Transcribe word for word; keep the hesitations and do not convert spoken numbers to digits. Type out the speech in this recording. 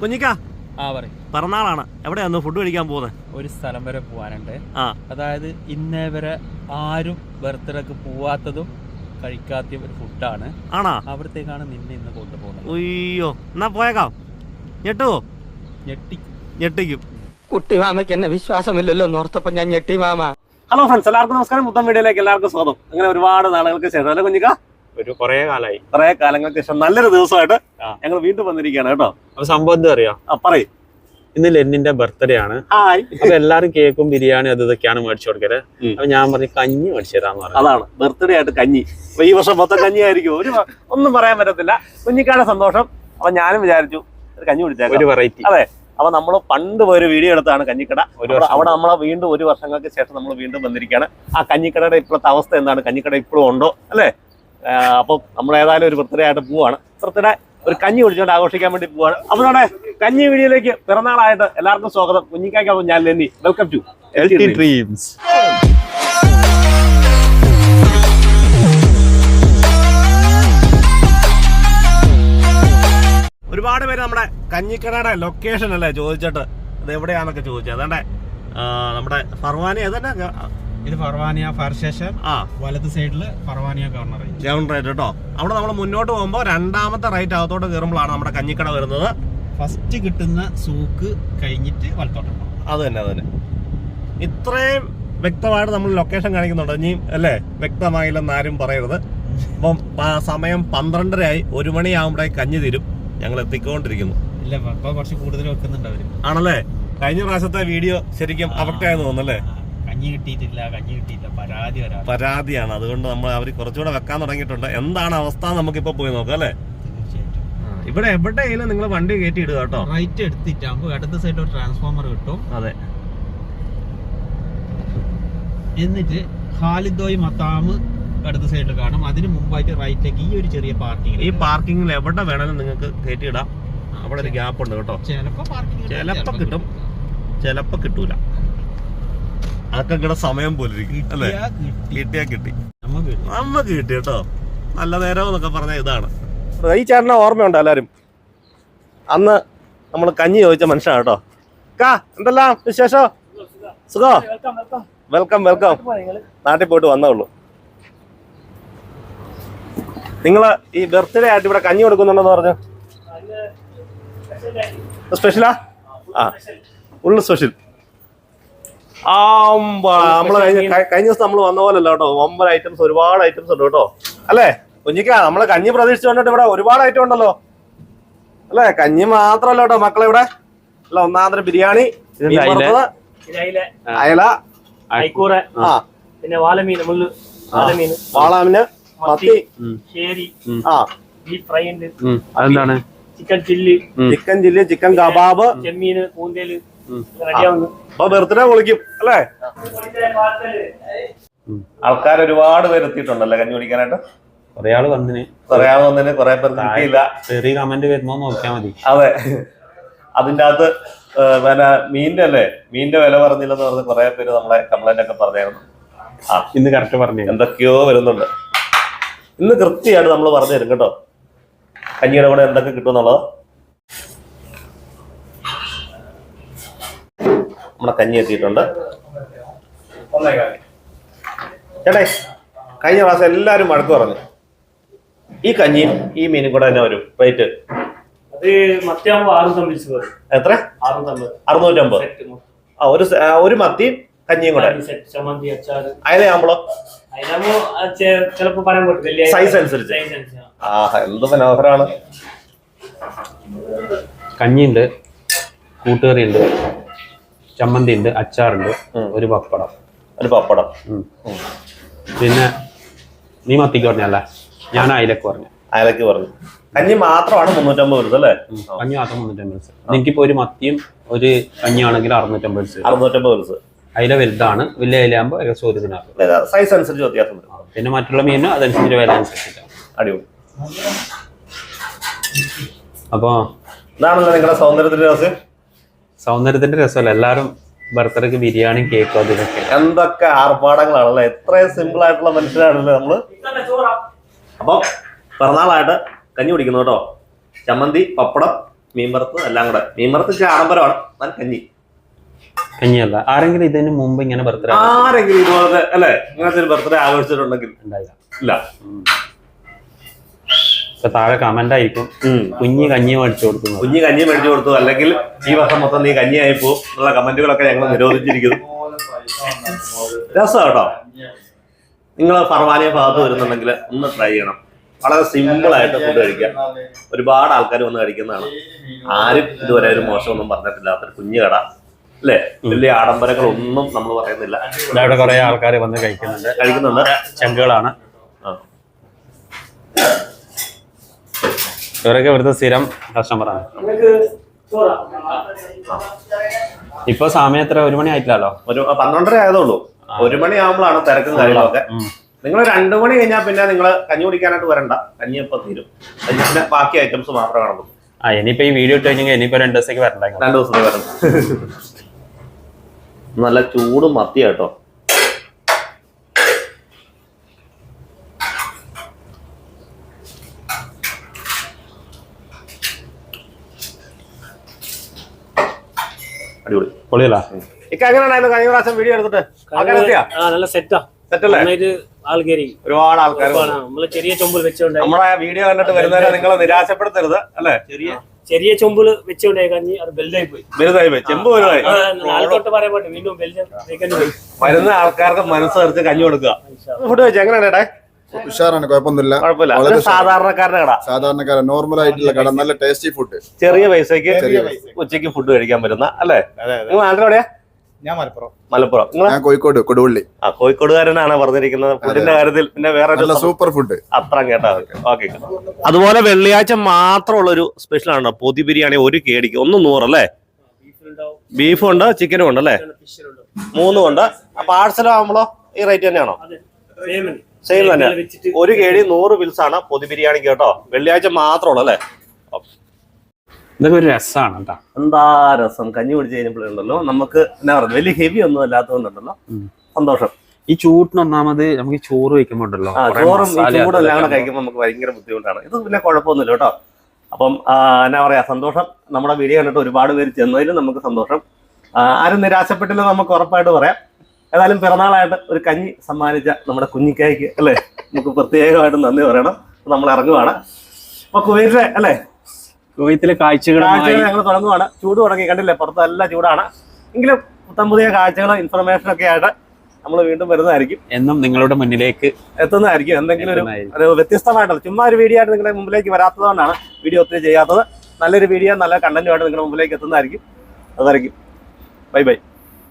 കുഞ്ഞിക്ക പിറന്നാളാണ്, എവിടെയാന്ന് ഫുഡ് കഴിക്കാൻ പോകുന്നത്? ഒരു സ്ഥലം വരെ പോവാനുണ്ട്. അതായത് ഇന്നേ വരെ ആരും ബർത്ത്ഡേക്ക് പോവാത്തതും കഴിക്കാത്ത ഒരു ഫുഡാണ്. ആണോ? അവിടത്തേക്കാണ് നിന്നെ ഇന്ന് കൊണ്ടുപോകുന്നത്. അയ്യോ, എന്നാ പോയേക്കാം. ഞെട്ടുവോ? ഞെട്ടി ഞെട്ടിക്കും. കുട്ടി മാമയ്ക്ക് എന്നെ വിശ്വാസമില്ലല്ലോ എന്നോർത്തപ്പോ ഞാൻ ഞെട്ടി മാമ. ഹലോ ഫ്രണ്ട്സ്, എല്ലാവർക്കും നമസ്കാരം. മുത്തം വീഡിയോയിലേക്ക് എല്ലാവർക്കും സ്വാഗതം. അങ്ങനെ ഒരുപാട് നാളുകൾക്ക് ശേഷം അല്ലെ കുഞ്ഞിക്ക, ഒരു കുറെ കാലമായി കുറെ കാലങ്ങൾക്ക് ശേഷം നല്ലൊരു ദിവസമായിട്ട് ഞങ്ങൾ വീണ്ടും വന്നിരിക്കുകയാണ് കേട്ടോ. അപ്പൊ സംഭവം എന്താ അറിയാം? പറയും, ഇന്ന് ലെന്നിന്റെ ബർത്ത്ഡേ ആണ്. അപ്പൊ എല്ലാരും കേക്കും ബിരിയാണി അത് ഇതൊക്കെയാണ് മേടിച്ചു കൊടുക്കല്. അപ്പൊ ഞാൻ പറഞ്ഞു കഞ്ഞി മേടിച്ചു തരാന്ന് പറഞ്ഞു. അതാണ് ബർത്ത്ഡേ ആയിട്ട് കഞ്ഞി. അപ്പൊ ഈ വർഷം മൊത്തം കഞ്ഞി ആയിരിക്കും. ഒരു ഒന്നും പറയാൻ പറ്റത്തില്ല. കുഞ്ഞിക്കാടെ സന്തോഷം. അപ്പൊ ഞാനും വിചാരിച്ചു ഒരു കഞ്ഞി കുടിച്ചേക്കാം, ഒരു വെറൈറ്റി. അതെ, അപ്പൊ നമ്മള് പണ്ട് ഒരു വീഡിയോ എടുത്താണ് കഞ്ഞിക്കട. അവിടെ നമ്മളെ വീണ്ടും ഒരു വർഷങ്ങൾക്ക് ശേഷം നമ്മൾ വീണ്ടും വന്നിരിക്കുകയാണ്. ആ കഞ്ഞിക്കടയുടെ ഇപ്പോഴത്തെ അവസ്ഥ എന്താണ്, കഞ്ഞിക്കട ഇപ്പോഴും ഉണ്ടോ അല്ലേ? അപ്പൊ നമ്മൾ ഏതായാലും ഒരു ബർത്ത്ഡേ ആയിട്ട് പോവാണ്. ബർത്ത്ഡേ ഒരു കഞ്ഞി കുടിച്ചുകൊണ്ട് ആഘോഷിക്കാൻ വേണ്ടി പോവാണ്. അപ്പൊ നമ്മുടെ കഞ്ഞി വീഡിയോയിലേക്ക് പിറന്നാളായിട്ട് എല്ലാവർക്കും സ്വാഗതം. കുഞ്ഞിക്കാക്കും ഞാൻ Lenny. Welcome to LT dreams. ഒരുപാട് പേര് നമ്മുടെ കഞ്ഞിക്കടയുടെ ലൊക്കേഷൻ അല്ലേ ചോദിച്ചിട്ട്, ഇത് എവിടെയാന്നൊക്കെ ചോദിച്ചത്. അതാണ്ട് നമ്മുടെ ഫർവാനിയ, അതന്നെ ഇത് ഫർവാനിയ ഫയർ സ്റ്റേഷൻ. ആ, വലത് സൈഡില് ഫർവാനിയ ഗവർണർ റൈറ്റ് കേട്ടോ. അവിടെ നമ്മൾ മുന്നോട്ട് പോകുമ്പോൾ രണ്ടാമത്തെ റൈറ്റ് അകത്തോട്ട് കയറുമ്പോഴാണ് നമ്മുടെ കഞ്ഞിക്കട വരുന്നത്. ഫസ്റ്റ് കിട്ടുന്ന സൂക്ക് കഴിഞ്ഞിട്ട് വലത്തോട്ട്. അത് തന്നെ അത് തന്നെ ഇത്രയും വ്യക്തമായിട്ട് നമ്മൾ ലൊക്കേഷൻ കാണിക്കുന്നുണ്ട്. ഇനിയും അല്ലേ വ്യക്തമായില്ലെന്ന് ആരും പറയരുത്. അപ്പം സമയം പന്ത്രണ്ടരയായി. ഒരു മണിയാകുമ്പോഴേക്ക് കഞ്ഞി തീരും. ഞങ്ങൾ എത്തിക്കൊണ്ടിരിക്കുന്നു. ഇല്ല, കുറച്ച് കൂടുതൽ വെക്കുന്നുണ്ട് അവര്. ആണല്ലേ? കഴിഞ്ഞ പ്രാവശ്യത്തെ വീഡിയോ ശരിക്കും അഫക്റ്റ് ആയെന്ന് തോന്നുന്നല്ലേ? കഞ്ഞി കിട്ടിയിട്ടില്ല, കഞ്ഞി കിട്ടിയില്ല, പരാതി പരാതിയാണ്. അതുകൊണ്ട് നമ്മൾ അവർ കുറച്ചുകൂടെ വെക്കാൻ തുടങ്ങിയിട്ടുണ്ട്. എന്താണ് അവസ്ഥ നമുക്കിപ്പോ പോയി നോക്കാം അല്ലേ? ഇവിടെ എവിടെയെങ്കിലും നിങ്ങൾ വണ്ടി കയറ്റി ഇടുക കേട്ടോ. റൈറ്റ് എടുത്തിട്ടാകുമ്പോ ഇടത് സൈഡിൽ ഒരു ട്രാൻസ്ഫോമർ കിട്ടും. അതെ, എന്നിട്ട് ഖാലിദോയ് മത്താമ് ഇടത് സൈഡിൽ കാണും. അതിന് മുമ്പായിട്ട് റൈറ്റിലേക്ക് ഈ ഒരു ചെറിയ പാർക്കിംഗ്. ഈ പാർക്കിങ്ങിൽ എവിടെ വേണമെങ്കിലും നിങ്ങൾക്ക് കയറ്റി ഇടാം. അവിടെ ഒരു ഗ്യാപ്പ് ഉണ്ട് കേട്ടോ. ചിലപ്പോ പാർക്കിംഗ് ചിലപ്പോ കിട്ടും, ചിലപ്പോ കിട്ടൂല. അതൊക്കെ ഇവിടെ സമയം പോലെ ഇരിക്കും അല്ലേ? കിട്ടിയാ കിട്ടി, നമ്മക്ക് കിട്ടി കേട്ടോ. നല്ല നേരം എന്നൊക്കെ പറഞ്ഞ ഇതാണ്. ഈ ചേട്ടനെ ഓർമ്മയുണ്ടോ എല്ലാരും? അന്ന് നമ്മൾ കഞ്ഞി ചോദിച്ച മനുഷ്യനാണ് കേട്ടോ. കാ എന്തെല്ലാം വിശേഷം? സുഖോ? Welcome welcome. നാട്ടിൽ പോയിട്ട് വന്നേ ഉള്ളൂ. നിങ്ങള് ഈ ബർത്ത്ഡേ ആയിട്ട് ഇവിടെ കഞ്ഞി കൊടുക്കുന്നുണ്ടെന്ന് പറഞ്ഞു. സ്പെഷ്യലാ? ആ, ഉള്ളു സ്പെഷ്യൽ. ആ, നമ്മള് കഴിഞ്ഞ കഴിഞ്ഞ ദിവസം നമ്മൾ വന്ന പോലെ അല്ല കേട്ടോ. ഒമ്പത് ഐറ്റംസ്, ഒരുപാട് ഐറ്റംസ് ഉണ്ട് കേട്ടോ. അല്ലേ കുഞ്ഞിക്ക? നമ്മള് കഞ്ഞി പ്രതീക്ഷിച്ചു വന്നിട്ട് ഇവിടെ ഒരുപാട് ഐറ്റം ഉണ്ടല്ലോ അല്ലേ? കഞ്ഞി മാത്രല്ല കേട്ടോ മക്കളെ, ഇവിടെ അല്ല ഒന്നാന്തര ബിരിയാണി, അയല, ആ പിന്നെ വാളമീൻ, വാളാമീന്, മത്തി, ആ ബീഫ് ഫ്രൈ ഉണ്ട്. അതെന്താണ്? Chicken chilli, chicken chilli, chicken kebab, ചെമ്മീന്, കൂന്തേല് റെഡിയാവുന്നു. അപ്പൊ ബർത്ത്ഡേ പൊളിക്കും അല്ലേ? ആൾക്കാർ ഒരുപാട് പേര് എത്തിയിട്ടുണ്ടല്ലേ കഞ്ഞി കുടിക്കാനായിട്ട്? കുറെ ആള് വന്നിന്, കുറെ ആള് വന്നിന്, കുറെ പേർക്ക് കിട്ടിയില്ല. ചെറിയ കമന്റ് വരുമ്പോ നോക്കിയാ മതി. അതെ, അതിന്റെ അകത്ത് പിന്നെ മീനിന്റെ അല്ലേ, മീനിന്റെ വില പറഞ്ഞില്ലെന്ന് പറഞ്ഞ് കുറെ പേര് നമ്മളെ കംപ്ലൈന്റ് ഒക്കെ പറഞ്ഞായിരുന്നു. ആ, ഇന്ന് കറക്റ്റ് പറഞ്ഞു. എന്തൊക്കെയോ വരുന്നുണ്ട്. ഇന്ന് കൃത്യമായിട്ട് നമ്മൾ പറഞ്ഞു തരും കേട്ടോ കഞ്ഞിയുടെ കൂടെ എന്തൊക്കെ കിട്ടുമെന്നുള്ളത്. നമ്മുടെ കഞ്ഞി എത്തിയിട്ടുണ്ട്. ചേട്ടേ, കഴിഞ്ഞ പ്രാവശ്യം എല്ലാവരും വഴക്ക് പറഞ്ഞു. ഈ കഞ്ഞിയും ഈ മീനും കൂടെ തന്നെ വരും റേറ്റ്. അത് മത്തിയാകുമ്പോ അറുന്നൂറ്റമ്പത്. എത്ര? അറുന്നൂറ്റമ്പത്. ആ, ഒരു ഒരു മത്തി കഞ്ഞിയും കൂടെ. ചമ്മന്തി, അച്ചാറ്. അയലയാകുമ്പോഴോ? ചിലപ്പോ പറയാൻ പറ്റില്ല, സൈസ് അനുസരിച്ച്. ആ, എന്ത് മനോഹരമാണ്. കഞ്ഞിയുണ്ട്, കൂട്ടുകറി ഉണ്ട്, ചമ്മന്തി ഉണ്ട്, അച്ചാറുണ്ട്, ഒരു പപ്പടം. ഒരു പപ്പടം. പിന്നെ നീ മത്തിക്ക് പറഞ്ഞല്ലേ, ഞാൻ അയലക്ക് പറഞ്ഞു. അയലക്ക് പറഞ്ഞു. കഞ്ഞി മാത്രമാണ് മുന്നൂറ്റമ്പത് വരുന്നത് അല്ലേ? കഞ്ഞി മാത്രം മുന്നൂറ്റമ്പത്. എനിക്കിപ്പോ ഒരു മത്തിയും ഒരു കഞ്ഞിയാണെങ്കിൽ അറുന്നൂറ്റമ്പത് ദിവസം. അറുന്നൂറ്റമ്പത് ദിവസം. അയില വലുതാണ്, വലിയ അയിലാകുമ്പോ ഏകദേശം ഒരു ദിനാറ്. സൈസ് അനുസരിച്ച് വ്യത്യാസം വരും. പിന്നെ മറ്റുള്ള മീനും അതനുസരിച്ച് വില അനുസരിച്ചിട്ടാണ്. അടിപൊളി. അപ്പൊ ഇതാണല്ലോ നിങ്ങളുടെ സൗന്ദര്യത്തിന്റെ രസം. സൗന്ദര്യത്തിന്റെ രസമല്ല, എല്ലാരും ബർത്ത്ഡേക്ക് ബിരിയാണി, കേക്കും അതിനൊക്കെ. എന്തൊക്കെ ആർഭാടങ്ങളാണല്ലേ! എത്രയും സിമ്പിൾ ആയിട്ടുള്ള മനുഷ്യരാണല്ലേ നമ്മള്. അപ്പൊ പിറന്നാളായിട്ട് കഞ്ഞി കുടിക്കുന്നു കേട്ടോ. ചമ്മന്തി, പപ്പടം, മീൻ വറുത്ത് എല്ലാം കൂടെ. മീൻ വറുത്ത് ഇച്ചിരി ആഡംബരമാണ്, എന്നാൽ കഞ്ഞി. കഞ്ഞിയല്ല. ആരെങ്കിലും ഇതിന് മുമ്പ് ഇങ്ങനെ ബർത്ത്ഡേ ആരെങ്കിലും ഇതുപോലത്തെ അല്ലെ ഇങ്ങനത്തെ ഒരു ബർത്ത്ഡേ ആഘോഷിച്ചിട്ടുണ്ടെങ്കിൽ ഉണ്ടായില്ല? ഇല്ല. ഇപ്പൊ താഴെ കമന്റ് ആയിരിക്കും കുഞ്ഞി കഞ്ഞി മേടിച്ചു കൊടുക്കുന്നു, കുഞ്ഞി കഞ്ഞി മേടിച്ചു കൊടുത്തു, അല്ലെങ്കിൽ ഈ വർഷം മൊത്തം നീ കഞ്ഞിയായി പോകും എന്നുള്ള കമന്റുകളൊക്കെ ഞങ്ങൾ നിരോധിച്ചിരിക്കുന്നു. രസം കേട്ടോ. നിങ്ങൾ ഫർവാനിയ ഭാഗത്ത് വരുന്നുണ്ടെങ്കിൽ ഒന്ന് ട്രൈ ചെയ്യണം. വളരെ സിമ്പിൾ ആയിട്ട് ഫുഡ് കഴിക്കാം. ഒരുപാട് ആൾക്കാർ വന്ന് കഴിക്കുന്നതാണ്. ആരും ഇതുവരെ ഒരു മോശമൊന്നും പറഞ്ഞിട്ടില്ലാത്തൊരു കുഞ്ഞു കട അല്ലേ. വലിയ ആഡംബരങ്ങളൊന്നും നമ്മൾ പറയുന്നില്ല. ഇവിടെ കുറെ ആൾക്കാർ വന്ന് കഴിക്കുന്നുണ്ട് കഴിക്കുന്നുണ്ട് ചങ്കുകളാണ് ഇവരൊക്കെ ഇവിടുത്തെ സ്ഥിരം കസ്റ്റമറാണ്. ഇപ്പൊ സമയം എത്ര? ഒരു മണി ആയിട്ടില്ലല്ലോ. ഒരു പന്ത്രണ്ടര ആയതുള്ളൂ. ഒരു മണി ആകുമ്പോഴാണ് തിരക്കും കാര്യങ്ങളൊക്കെ. നിങ്ങൾ രണ്ടു മണി കഴിഞ്ഞാൽ പിന്നെ നിങ്ങൾ കഞ്ഞി കുടിക്കാനായിട്ട് വരണ്ട, കഞ്ഞിയപ്പം തീരും. പിന്നെ ബാക്കി ഐറ്റംസ് മാത്രമേ കാണുള്ളൂ. ആ ഇനിയിപ്പോ ഈ വീഡിയോ ഇട്ട് കഴിഞ്ഞാൽ ഇനിയിപ്പോ രണ്ടു ദിവസത്തേക്ക് വരണ്ട. രണ്ടു ദിവസത്തേക്ക് വരണം. നല്ല ചൂട് മത്തി കേട്ടോ. അടിപൊളി പൊളിയല്ല. ഇക്ക എങ്ങനെയായിരുന്നു കഴിഞ്ഞ പ്രാവശ്യം വീഡിയോ എടുത്തിട്ട്? നല്ല സെറ്റാ, സെറ്റല്ലേ? ആൾ കയറി ഒരുപാട് ആൾക്കാർ നമ്മള് ചെറിയ ചൊമ്പിൽ വെച്ചോണ്ടായി. നമ്മുടെ വീഡിയോ കണ്ടിട്ട് വരുന്നവരെ നിങ്ങൾ നിരാശപ്പെടുത്തരുത് അല്ലെ. ചെറിയ ചെറിയ ചൊമ്പില് വെച്ചോണ്ടായി കഞ്ഞി അത് ബെൽഡായി പോയി, വലുതായി പോയി, ചെമ്പ് വലുതായി. നാളെ പറയാൻ പറ്റും വീണ്ടും ബെൽഡ് പോയി. വരുന്ന ആൾക്കാർക്ക് മനസ്സറിച്ച് കഞ്ഞി കൊടുക്കുക. ഫുഡ് വെച്ച് എങ്ങനെയാണ്? ഉഷാറാണ്, കുഴപ്പമൊന്നുമില്ല. കുഴപ്പമില്ല. സാധാരണക്കാരുടെ കട, സാധാരണക്കാരൻ നോർമൽ ആയിട്ടുള്ള കട, നല്ല ടേസ്റ്റി ഫുഡ്, ചെറിയ പൈസക്ക് ഉച്ചയ്ക്ക് ഫുഡ് കഴിക്കാൻ പറ്റുന്ന അല്ലേ. നിങ്ങൾ നാട്ടിലെവിടെയാ? ഞാൻ മലപ്പുറം. മലപ്പുറം. ഞാൻ കോഴിക്കോട് കൊടുവള്ളി. ആ കോഴിക്കോടുകാരനാണ് പറഞ്ഞിരിക്കുന്നത്. ഫുഡിന്റെ കാര്യത്തിൽ പിന്നെ വേറെ സൂപ്പർ ഫുഡ് അത്ര കേട്ടാ. ഓക്കെ. അതുപോലെ വെള്ളിയാഴ്ച മാത്രമുള്ള ഒരു സ്പെഷ്യൽ ആണ് പൊതി ബിരിയാണി. ഒരു കേടിക്ക് ഒന്ന് നൂറല്ലേ. ബീഫും ഉണ്ട്, ചിക്കനും ഉണ്ട് അല്ലേ, മൂന്നും ഉണ്ട്. പാഴ്സൽ ആകുമ്പോഴോ ഈ റേറ്റ് തന്നെയാണോ? സെയിം തന്നെ. ഒരു കേടി നൂറ് ബിൽസ് ആണ് പൊതി ബിരിയാണി കേട്ടോ. വെള്ളിയാഴ്ച മാത്രമുള്ളൂ അല്ലേ. ഇതൊക്കെ ഒരു രസമാണ് കേട്ടോ. എന്താ രസം. കഞ്ഞി കുടിച്ച് കഴിഞ്ഞപ്പോഴുണ്ടല്ലോ നമുക്ക് എന്നാ പറയുന്നത്, വലിയ ഹെവി ഒന്നും അല്ലാത്തതുകൊണ്ടുണ്ടല്ലോ സന്തോഷം. ഈ ചൂട്ടിന് ഒന്നാമത് നമുക്ക് ചോറ് വയ്ക്കുമ്പോ ഉണ്ടല്ലോ, ചോറും ചൂടെല്ലാം കൂടെ കഴിക്കുമ്പോൾ നമുക്ക് ഭയങ്കര ബുദ്ധിമുട്ടാണ്. ഇത് പിന്നെ കുഴപ്പമൊന്നുമില്ല കേട്ടോ. അപ്പം എന്നാ പറയാ, സന്തോഷം. നമ്മുടെ വീഡിയോ കണ്ടിട്ട് ഒരുപാട് പേര് ചെന്നതിലും നമുക്ക് സന്തോഷം. ആരും നിരാശപ്പെട്ടില്ല നമുക്ക് ഉറപ്പായിട്ട് പറയാം. ഏതായാലും പിറന്നാളായിട്ട് ഒരു കഞ്ഞി സമ്മാനിച്ച നമ്മുടെ കുഞ്ഞിക്കായ്ക്ക് അല്ലേ നമുക്ക് പ്രത്യേകമായിട്ട് നന്ദി പറയണം. നമ്മൾ ഇറങ്ങുവാണ്. അപ്പൊ കുവൈറ്റിലെ അല്ലേ കുവൈത്തിലെ കാഴ്ചകൾ ഞങ്ങൾ തുടങ്ങുവാണ്. ചൂട് തുടങ്ങി, കണ്ടില്ലേ, പുറത്ത് നല്ല ചൂടാണ്. എങ്കിലും പുത്തൻ പുതിയ കാഴ്ചകളും ഇൻഫർമേഷനും ഒക്കെ ആയിട്ട് നമ്മൾ വീണ്ടും വരുന്നതായിരിക്കും. എന്നും നിങ്ങളുടെ മുന്നിലേക്ക് എത്തുന്നതായിരിക്കും. എന്തെങ്കിലും ഒരു ഒരു വ്യത്യസ്തമായിട്ടുള്ള ചുമ്മാ ഒരു വീഡിയോ ആയിട്ട് നിങ്ങളുടെ മുമ്പിലേക്ക് വരാത്തതുകൊണ്ടാണ് വീഡിയോ ഒത്തിരി ചെയ്യാത്തത്. നല്ലൊരു വീഡിയോ, നല്ല കണ്ടന്റുമായിട്ട് നിങ്ങളുടെ മുമ്പിലേക്ക് എത്തുന്നതായിരിക്കും. അതായിരിക്കും. Bye by.